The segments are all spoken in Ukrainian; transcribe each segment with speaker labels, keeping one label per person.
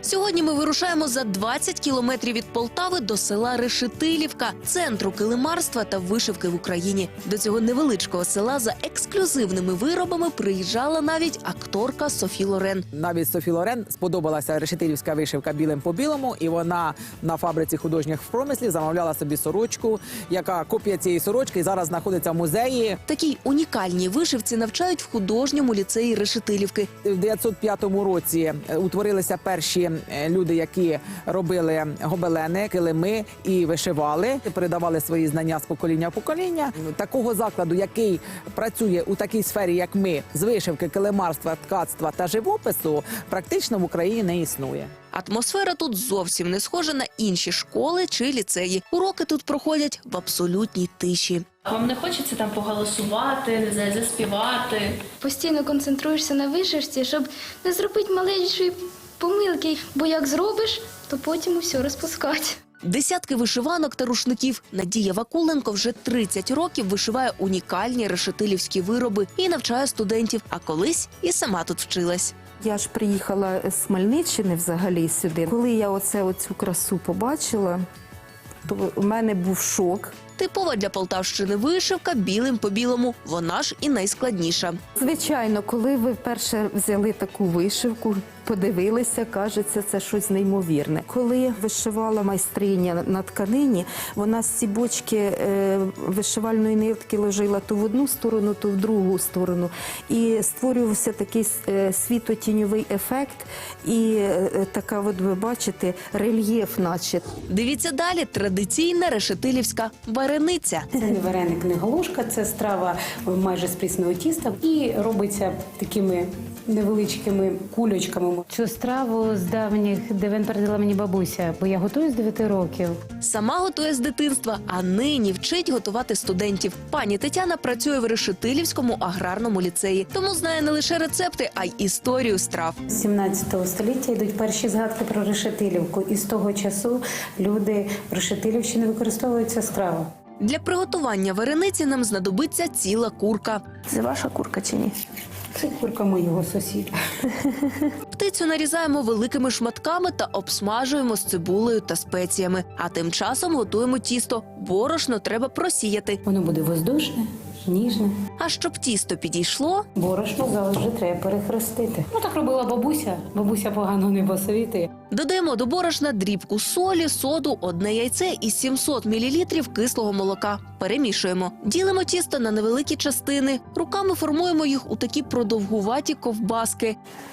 Speaker 1: Сьогодні ми вирушаємо за 20 кілометрів від Полтави до села Решетилівка, центру килимарства та вишивки в Україні. До цього невеличкого села за ексклюзивними виробами приїжджала навіть акторка Софі Лорен.
Speaker 2: Навіть Софі Лорен сподобалася решетилівська вишивка білим по білому, і вона на фабриці художніх в промислі замовляла собі сорочку, яка копія цієї сорочки і зараз знаходиться в музеї.
Speaker 1: Такій унікальній вишивці навчають в художньому ліцеї Решетилівки.
Speaker 2: В 1905 році утворилися перші люди, які робили гобелени, килими і вишивали, передавали свої знання з покоління в покоління. Такого закладу, який працює у такій сфері, як ми, з вишивки, килимарства, ткацтва та живопису, практично в Україні не існує.
Speaker 1: Атмосфера тут зовсім не схожа на інші школи чи ліцеї. Уроки тут проходять в абсолютній тиші.
Speaker 3: Вам не хочеться там поголосувати, не знаю, заспівати?
Speaker 4: Постійно концентруєшся на вишивці, щоб не зробити маленької помилки, бо як зробиш, то потім усе розпускати.
Speaker 1: Десятки вишиванок та рушників. Надія Вакуленко вже 30 років вишиває унікальні решетилівські вироби і навчає студентів, а колись і сама тут вчилась.
Speaker 5: Я ж приїхала з Хмельниччини взагалі сюди. Коли я оцю красу побачила, то в мене був шок.
Speaker 1: Типова для Полтавщини вишивка білим по білому. Вона ж і найскладніша.
Speaker 5: Звичайно, коли ви вперше взяли таку вишивку, подивилися, кажеться, це щось неймовірне. Коли вишивала майстриня на тканині, вона з ці бочки вишивальної нитки ложила то в одну сторону, то в другу сторону. І створювався такий світло-тіньовий ефект і така, от ви бачите, рельєф наче.
Speaker 1: Дивіться далі. Традиційна решетилівська варениця.
Speaker 6: Це не вареник, не галушка, це страва майже з прісного тіста і робиться такими невеличкими кульочками.
Speaker 7: Цю страву з давніх давен передала мені бабуся, бо я готую з 9 років.
Speaker 1: Сама готує з дитинства, а нині вчить готувати студентів. Пані Тетяна працює в Решетилівському аграрному ліцеї, тому знає не лише рецепти, а й історію страв.
Speaker 6: З 17 століття йдуть перші згадки про Решетилівку, і з того часу люди в Решетилівщині використовують цю страву.
Speaker 1: Для приготування варениці нам знадобиться ціла курка.
Speaker 5: Це ваша курка чи ні?
Speaker 6: Це курка моєго сусіда.
Speaker 1: Птицю нарізаємо великими шматками та обсмажуємо з цибулею та спеціями. А тим часом готуємо тісто. Борошно треба просіяти.
Speaker 6: Воно буде воздушне, ніжне.
Speaker 1: А щоб тісто підійшло,
Speaker 6: Борошно завжди треба перехрестити. Ну так робила бабуся. Бабуся погано не посовітує.
Speaker 1: додаємо до борошна дрібку солі, соду, одне яйце і 700 мл кислого молока. Перемішуємо. Ділимо тісто на невеликі частини. Руками формуємо їх у такі продовгуваті ковбаски.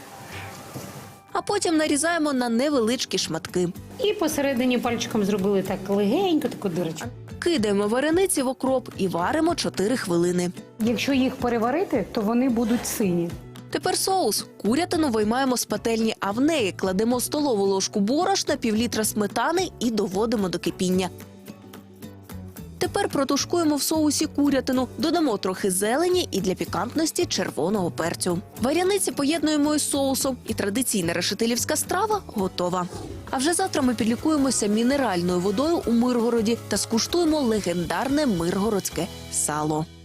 Speaker 1: А потім нарізаємо на невеличкі шматки.
Speaker 7: І посередині пальчиком зробили так легенько, таку дирочку.
Speaker 1: Кидаємо варениці в окроп і варимо 4 хвилини.
Speaker 7: Якщо їх переварити, то вони будуть сині.
Speaker 1: Тепер соус. Курятину виймаємо з пательні, а в неї кладемо столову ложку борошна, півлітра сметани і доводимо до кипіння. Тепер протушкуємо в соусі курятину, додамо трохи зелені і для пікантності червоного перцю. Варяниці поєднуємо із соусом, і традиційна решетилівська страва готова. А вже завтра ми підлікуємося мінеральною водою у Миргороді та скуштуємо легендарне миргородське сало.